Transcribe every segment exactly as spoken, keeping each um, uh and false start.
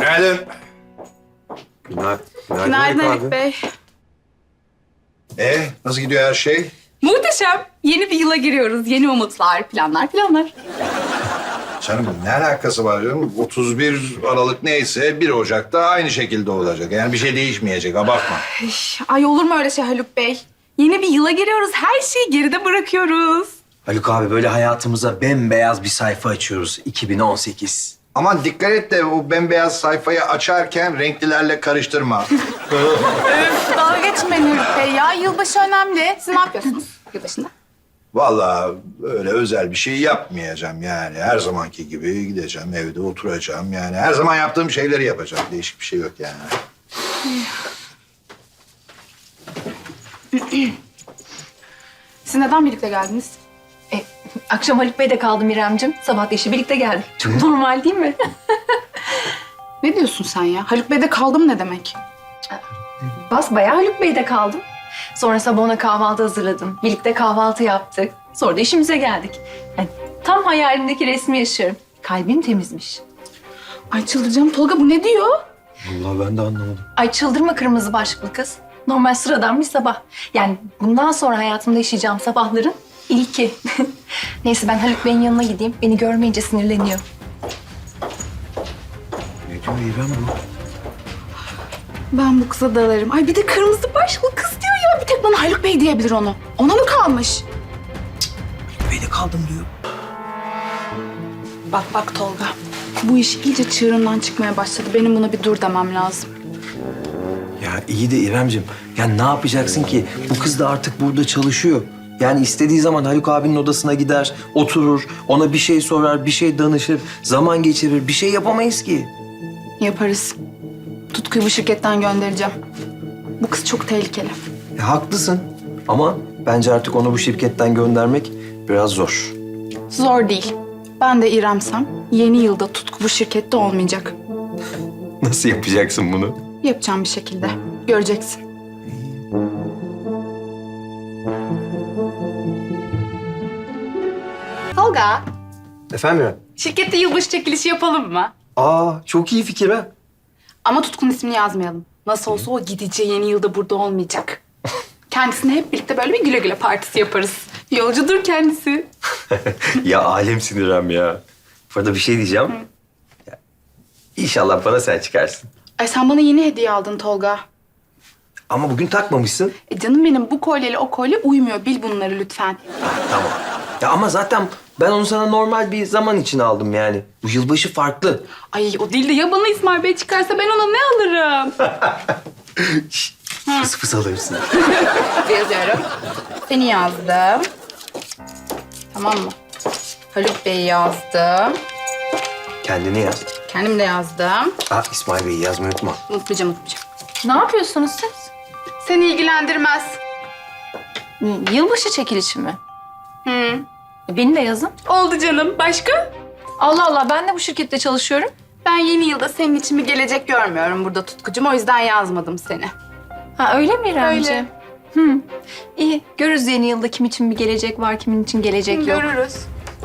Günaydın. Günaydın. Günaydın Haluk Bey. Ee, nasıl gidiyor her şey? Muhteşem. Yeni bir yıla giriyoruz. Yeni umutlar, planlar, planlar. Canım ne alakası var canım? otuz bir Aralık neyse bir Ocak'ta aynı şekilde olacak. Yani bir şey değişmeyecek, abartma. Ay olur mu öyle şey Haluk Bey? Yeni bir yıla giriyoruz. Her şeyi geride bırakıyoruz. Haluk abi böyle hayatımıza bembeyaz bir sayfa açıyoruz. iki bin on sekiz. Aman dikkat et de o bembeyaz sayfayı açarken renklilerle karıştırma. Öf, dalga geçmeyin Haluk Bey ya. Yılbaşı önemli. Siz ne yapıyorsunuz yılbaşında? Vallahi öyle özel bir şey yapmayacağım yani. Her zamanki gibi gideceğim, evde oturacağım yani. Her zaman yaptığım şeyleri yapacağım. Değişik bir şey yok yani. Siz neden birlikte geldiniz? E, akşam Haluk Bey'de kaldım İremcim. Sabah da işe birlikte geldik. Çok normal değil mi? Ne diyorsun sen ya? Haluk Bey'de kaldım ne demek? Basbayağı Haluk Bey'de kaldım. Sonra sabah ona kahvaltı hazırladım. Birlikte kahvaltı yaptık. Sonra da işimize geldik. Yani tam hayalimdeki resmi yaşıyorum. Kalbim temizmiş. Ay çıldıracağım. Tolga bu ne diyor? Vallahi ben de anlamadım. Ay çıldırma kırmızı başlıklı kız. Normal sıradan bir sabah. Yani bundan sonra hayatımda yaşayacağım sabahların ilki. Neyse ben Haluk Bey'in yanına gideyim. Beni görmeyince sinirleniyor. Ne diyor İrem bu? Ben bu kıza dalarım. Ay bir de kırmızı başlıklı kız diyor ya. Bir tek bana Haluk Bey diyebilir onu. Ona mı kalmış? Beni kaldım diyor. Bak bak Tolga. Bu iş iyice çığırından çıkmaya başladı. Benim buna bir dur demem lazım. Ya iyi de İremcim, ya ne yapacaksın ki? Bu kız da artık burada çalışıyor. Yani istediği zaman Haluk abinin odasına gider, oturur, ona bir şey sorar, bir şey danışır, zaman geçirir. Bir şey yapamayız ki. Yaparız. Tutku'yu bu şirketten göndereceğim. Bu kız çok tehlikeli. Ya, haklısın ama bence artık onu bu şirketten göndermek biraz zor. Zor değil. Ben de İrem'sem yeni yılda Tutku bu şirkette olmayacak. Nasıl yapacaksın bunu? Yapacağım bir şekilde. Göreceksin. Tolga, Efendim İrem? şirkette yılbaşı çekilişi yapalım mı? Aa, çok iyi fikir ha. Ama Tutku'nun ismini yazmayalım. Nasıl olsa o gideceği yeni yılda burada olmayacak. Kendisine hep birlikte böyle bir güle güle partisi yaparız. Yolcudur kendisi. Ya alemsin İrem ya. Burada bir şey diyeceğim. Ya, İnşallah bana sen çıkarsın. Ay sen bana yeni hediye aldın Tolga. Ama bugün takmamışsın. E canım benim bu kolyeyle o kolye uymuyor. Bil bunları lütfen. Tamam. Ya ama zaten ben onu sana normal bir zaman için aldım yani. Bu yılbaşı farklı. Ay o değil de ya bana İsmail Bey çıkarsa ben ona ne alırım? Fıs fıs alırsın. Yazıyorum. Seni yazdım. Tamam mı? Haluk Bey'i yazdım. Kendini yaz. Kendim de yazdım. Aa, İsmail Bey'i yazmayı unutma. Unutmayacağım, unutmayacağım. Ne yapıyorsunuz siz? Seni ilgilendirmez. Yılbaşı çekilişi mi? Hı. Beni de yazın. Oldu canım. Başka? Allah Allah ben de bu şirkette çalışıyorum. Ben yeni yılda senin için bir gelecek görmüyorum burada Tutkucuğum. O yüzden yazmadım seni. Ha öyle mi İremciğim? Öyle. Hı. İyi. Görürüz yeni yılda kim için bir gelecek var, kimin için gelecek yok. Görürüz.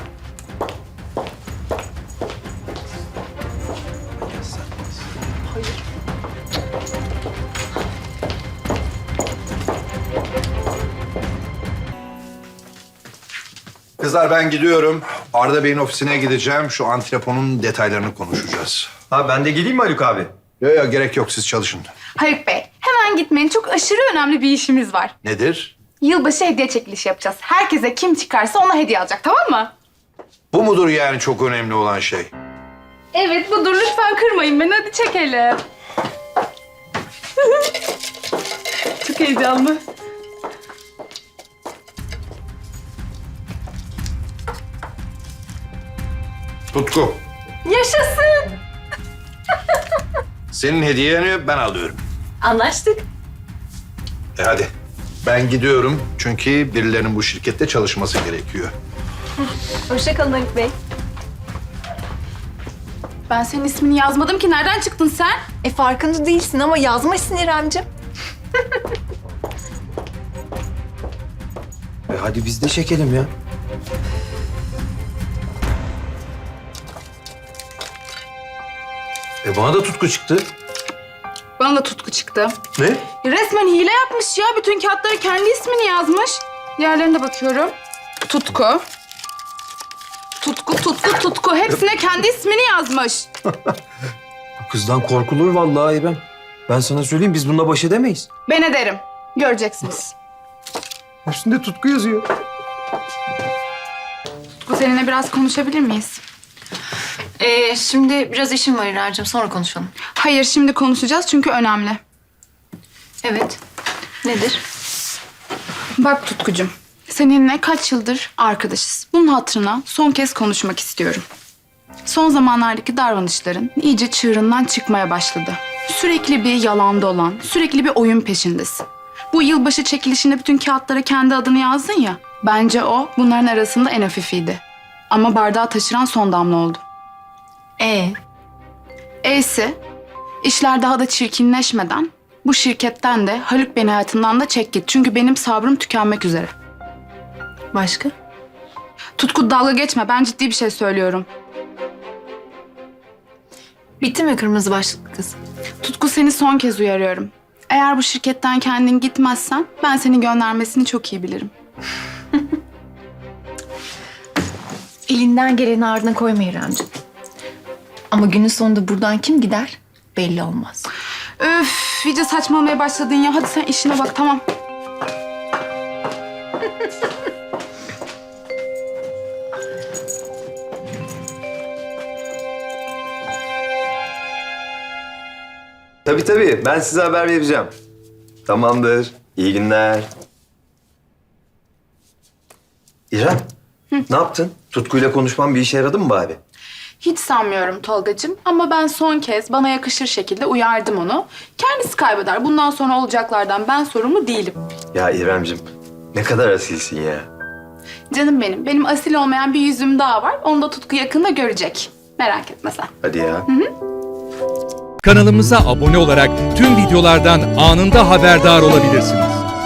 Kızlar ben gidiyorum. Arda Bey'in ofisine gideceğim. Şu antreponun detaylarını konuşacağız. Ha ben de geleyim mi Haluk abi? Yok yok gerek yok siz çalışın. Haluk Bey, hemen gitmeyin. Çok aşırı önemli bir işimiz var. Nedir? Yılbaşı hediye çekilişi yapacağız. Herkese kim çıkarsa ona hediye alacak, tamam mı? Bu mudur yani çok önemli olan şey? Evet budur. Lütfen kırmayın beni. Hadi çekelim. Çok heyecanlı. Tutku. Yaşasın. Senin hediyeni ben alıyorum. Anlaştık. E hadi. Ben gidiyorum çünkü birilerinin bu şirkette çalışması gerekiyor. Hoşça kalın Haluk Bey. Ben senin ismini yazmadım ki. Nereden çıktın sen? E farkında değilsin ama yazmışsın İremciğim. E, hadi biz de çekelim ya. E bana da Tutku çıktı. Bana da Tutku çıktı. Ne? Resmen hile yapmış ya. Bütün kağıtlara kendi ismini yazmış. Diğerlerine de bakıyorum. Tutku. Tutku, Tutku, Tutku. Hepsine kendi ismini yazmış. Bu kızdan korkulur vallahi İrem. Ben sana söyleyeyim, biz bununla baş edemeyiz. Ben ederim. Göreceksiniz. Üstünde Tutku yazıyor. Tutku, seninle biraz konuşabilir miyiz? Ee, şimdi biraz işim var İracığım. Sonra konuşalım. Hayır, şimdi konuşacağız çünkü önemli. Evet. Nedir? Bak Tutkucuğum, seninle kaç yıldır arkadaşız. Bunun hatırına son kez konuşmak istiyorum. Son zamanlardaki davranışların iyice çığırından çıkmaya başladı. Sürekli bir yalan dolan, sürekli bir oyun peşindesin. Bu yılbaşı çekilişinde bütün kağıtlara kendi adını yazdın ya. Bence o bunların arasında en hafifiydi. Ama bardağı taşıran son damla oldu. Ee? E'si, işler daha da çirkinleşmeden bu şirketten de Haluk beni hayatından da çek git. Çünkü benim sabrım tükenmek üzere. Başka? Tutku, dalga geçme, ben ciddi bir şey söylüyorum. Bitti mi kırmızı başlıklı kız? Tutku, seni son kez uyarıyorum. Eğer bu şirketten kendin gitmezsen ben seni göndermesini çok iyi bilirim. Elinden geleni ardına koyma İremciğim. Ama günün sonunda buradan kim gider belli olmaz. Öf, iyice saçmalamaya başladın ya. Hadi sen işine bak, tamam. Tabii tabii, ben size haber vereceğim. Tamamdır. İyi günler. İrem, ne yaptın? Tutku'yla konuşmam bir işe yaradı mı bari? Hiç sanmıyorum Tolgacığım ama ben son kez bana yakışır şekilde uyardım onu. Kendisi kaybeder. Bundan sonra olacaklardan ben sorumlu değilim. Ya İremcim, ne kadar asilsin ya. Canım benim, benim asil olmayan bir yüzüm daha var. Onu da Tutku yakında görecek. Merak etme sen. Hadi ya. Kanalımıza abone olarak tüm videolardan anında haberdar olabilirsiniz.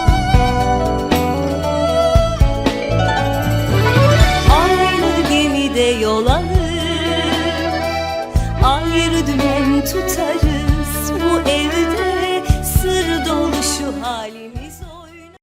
Aynı gemide yol alır, ayrı dümen tutarız.